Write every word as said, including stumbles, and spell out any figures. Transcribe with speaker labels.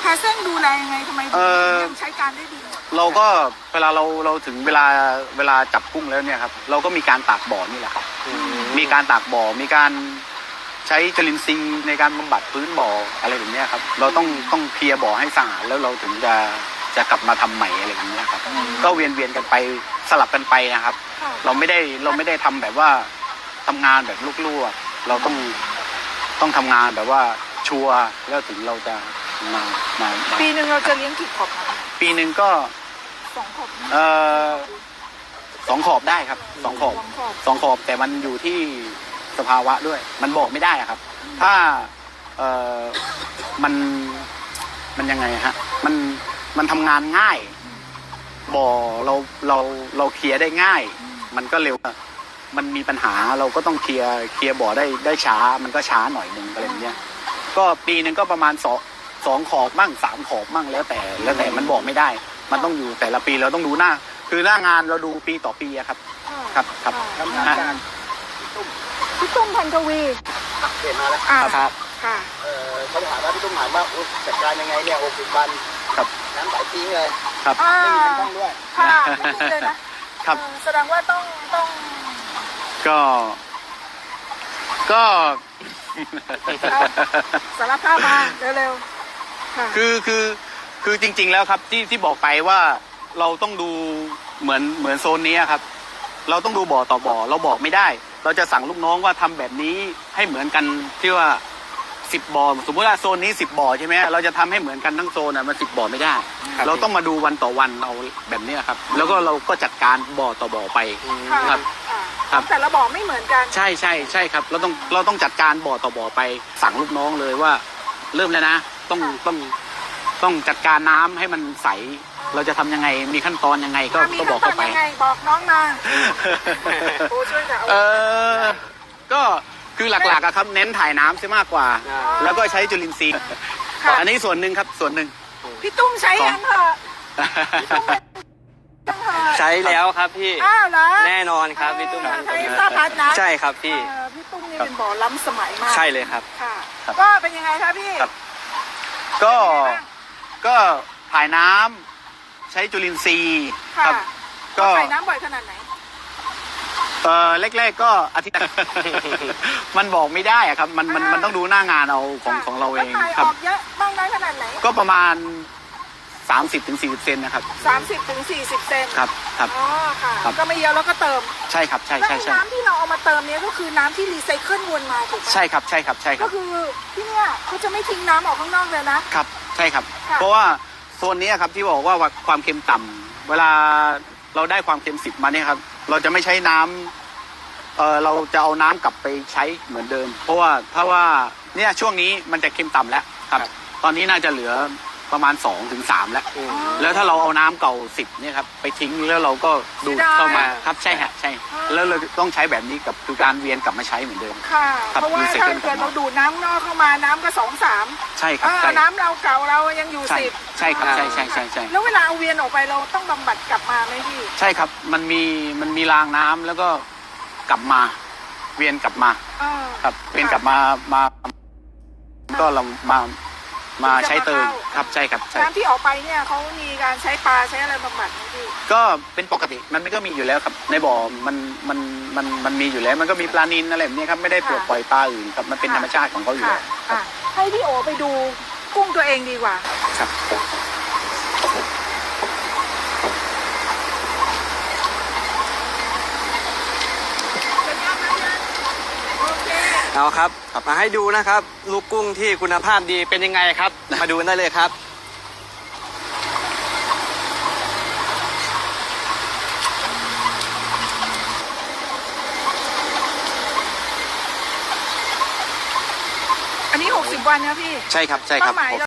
Speaker 1: าเส้นดูแลยังไงทำไมถึงยังใช้การได้ดี
Speaker 2: เราก็เวลาเราเราถึงเวลาเวลาจับกุ้งแล้วเนี่ยครับเราก็มีการตากบ่อนี่แหละครับมีการตากบ่อมีการใช้จุลินทรีย์ในการบำบัดพื้นบ่ออะไรแบบนี้ครับเราต้องต้องเคลียร์บ่อให้สะอาดแล้วเราถึงจะจะกลับมาทำใหม่อะไรแบบนี้ครับก็เวียนเวียนกันไปสลับกันไปนะครับเราไม่ได้เราไม่ได้ทำแบบว่าทำงานแบบลูกๆเราต้องต้องทำงานแบบว่าชัวร์แล้วถึงเราจะมามา
Speaker 1: ปีหนึ่งเราจะเลี้ยงกี่ขอบ
Speaker 2: ปีหนึ่งก็
Speaker 1: สองขอบ
Speaker 2: เอ่อสองขอบได้ครับสองขอบสองขอบแต่มันอยู่ที่สภาวะด้วยมันบอกไม่ได้ครับถ้าเอ่อมันมันยังไงฮะมันมันทำงานง่ายบ่อเราเราเราเคลียร์ได้ง่ายมันก็เร็วมันมีปัญหาเราก็ต้องเคลียร์เคลียร์บ่อได้ได้ช้ามันก็ช้าหน่อยนึงอะไรอย่างเงี้ยก็ปีหนึ่งก็ประมาณสองสองขอบมั่งสามขอบมั่งแล้วแต่แล้วแต่มันบอกไม่ได้มันต้องอยู่แต่ละปีเราต้องดูหน้าคือหน้างานเราดูปีต่อปีครับครับครับ
Speaker 1: พี่ตุ้มพันทวี
Speaker 3: เห็นมาแล้ว
Speaker 2: ครับ
Speaker 1: ค่ะ
Speaker 3: เขาถามว่าพี่ตุ้มถามว่าจัดการยังไงเนี่ยหกสิบวัน
Speaker 2: ครับ
Speaker 3: น้ำใสจริงเลย
Speaker 2: ครับ
Speaker 3: ไม่มีต้องด้วย
Speaker 1: ค่ะเลยนะครับแสดงว่าต้องต้อง
Speaker 2: ก็ก็
Speaker 1: สารภาพมาเร็วๆ
Speaker 2: คือคือคือจริงๆแล้วครับที่ที่บอกไปว่าเราต้องดูเหมือนเหมือนโซนนี้ครับเราต้องดูบ่อต่อบ่อเราบอกไม่ได้เราจะสั่งลูกน้องว่าทำแบบนี้ให้เหมือนกันที่ว่าสิบบ่อสมมติว่าโซนนี้สิบบ่อใช่ไหมเราจะทำให้เหมือนกันทั้งโซนอ่ะมันสิบบ่อไม่ได้เราต้องมาดูวันต่อวันเอาแบบนี้ครับแล้วก็เราก็จัดการบ่อต่อบ่อไปครับ
Speaker 1: ครับแต่ละบ่อไม่เหมือนกัน
Speaker 2: ใช่ใช่ใช่ครับเราต้องเราต้องจัดการบ่อต่อบ่อไปสั่งลูกน้องเลยว่าเริ่มแล้วนะต้องต้องต้องจัดการน้ำให้มันใสเราจะทำยังไงมีขั้นตอนยังไงก็ก็บอกเขาไป
Speaker 1: บอกน้องมาโอ้ช่วยเอ
Speaker 2: อก็คือหลักๆอะครับเน้นถ่ายน้ำใช่มากกว่าแล้วก็ใช้จุลินทรีย์อันนี้ส่วนหนึ่งครับส่วนหนึ่ง
Speaker 1: พี่ตุ้มใช้ยังเหรอ
Speaker 4: ใช้แล้วครับพี่แน่นอนครับพี่ตุ้ม
Speaker 1: ใช้ซาพัดนะ
Speaker 4: ใช่ครับพี่
Speaker 1: พี่ตุ้มนี่เป็นบ่อล้ำสมัยมาก
Speaker 4: ใช่เลยครับ
Speaker 1: ค่ะก็เป็นยังไงครับพี่
Speaker 2: ก็ก็ถ่ายน้ำใช้จุลินทรีย์ครับ
Speaker 1: ก็ใส่น้ำบ่อยขนาดไหน
Speaker 2: เออแรกๆก็อาทิตย์มันบอกไม่ได้อะครับมันมันมันต้องดูหน้างานเอาของของเราเอง
Speaker 1: ครับออกเยอะบ้างได้ขนาดไหน
Speaker 2: ก็ประมาณสามสิบถึงสี่สิบเซนนะครับ
Speaker 1: สามสิบถึงสี่สิบเซน
Speaker 2: ครับครับ
Speaker 1: อ๋อค่ะก็ไม่เยอะแล้วก็เติม
Speaker 2: ใช่ครับใช่ใช่ใช่
Speaker 1: น้ำที่เราเอามาเติมเนี้ยก็คือน้ำที่รีไซเคิลวนมาถูกไหม
Speaker 2: ใช่ครับใช่ครับใช่ครับ
Speaker 1: ก็คือที่เนี้ยเขาจะไม่ทิ้งน้ำออกข้างนอกเลยนะครับ
Speaker 2: ใช่ครับเพราะว่าโซนนี้ครับที่บอกว่าความเค็มต่ำเวลาเราได้ความเค็มสิบมาเนี่ยครับเราจะไม่ใช้น้ำเออเราจะเอาน้ำกลับไปใช้เหมือนเดิมเพราะว่าถ้าว่าเนี่ยช่วงนี้มันจะเค็มต่ำแล้วครับตอนนี้น่าจะเหลือประมาณสองถึงสามแล้วแล้วถ้าเราเอาน้ำเก่าสิบเนี่ยครับไปทิ้งแล้วเราก็ดูดเข้ามาครับใช่ฮะใช่แล้วเราต้องใช้แบบนี้กับคือการเวียนกลับมาใช้เหมือนเดิม
Speaker 1: ค่ะเพราะว่าถ้าเกิดเราดูดน้ำนอกเข้ามาน้ำก็สองสาม
Speaker 2: ใช่ครับ
Speaker 1: น้ำเราเก่าเรายังอยู่สิบ
Speaker 2: ใช่ครับใช่ใช่ใช่ใช่
Speaker 1: แล้วเวลาเอาเวียนออกไปเราต้องบำบัดกลับมาไหมพี่
Speaker 2: ใช่ครับมันมีมันมีรางน้ำแล้วก็กลับมาเวียนกลับมาครับเวียนกลับมามาก็เรามามาใช้เติมครับใช่ครับ
Speaker 1: น้ำที่ออกไปเนี่ยเขามีการใช้ปลาใช้อะไรบำบัดไหมพี่
Speaker 2: ก็เป็นปกติมันก็มีอยู่แล้วครับในบ่อมันมันมันมันมีอยู่แล้วมันก็มีปลานิลอะไรแบบนี้ครับไม่ได้ปล่อยปลาอื่นครับมันเป็นธรรมชาติของเขาอยู่แล้ว
Speaker 1: ให้พี่โอไปดูกุ้งตัวเองดีกว่า
Speaker 2: ครับ
Speaker 4: เอาครับมาให้ดูนะครับลูกกุ้งที่คุณภาพดีเป็นยังไงครับมาดูได้เลยครับ
Speaker 1: อันนี้หกสิบวันนะพี่
Speaker 2: ใช่ครับใช่ครับ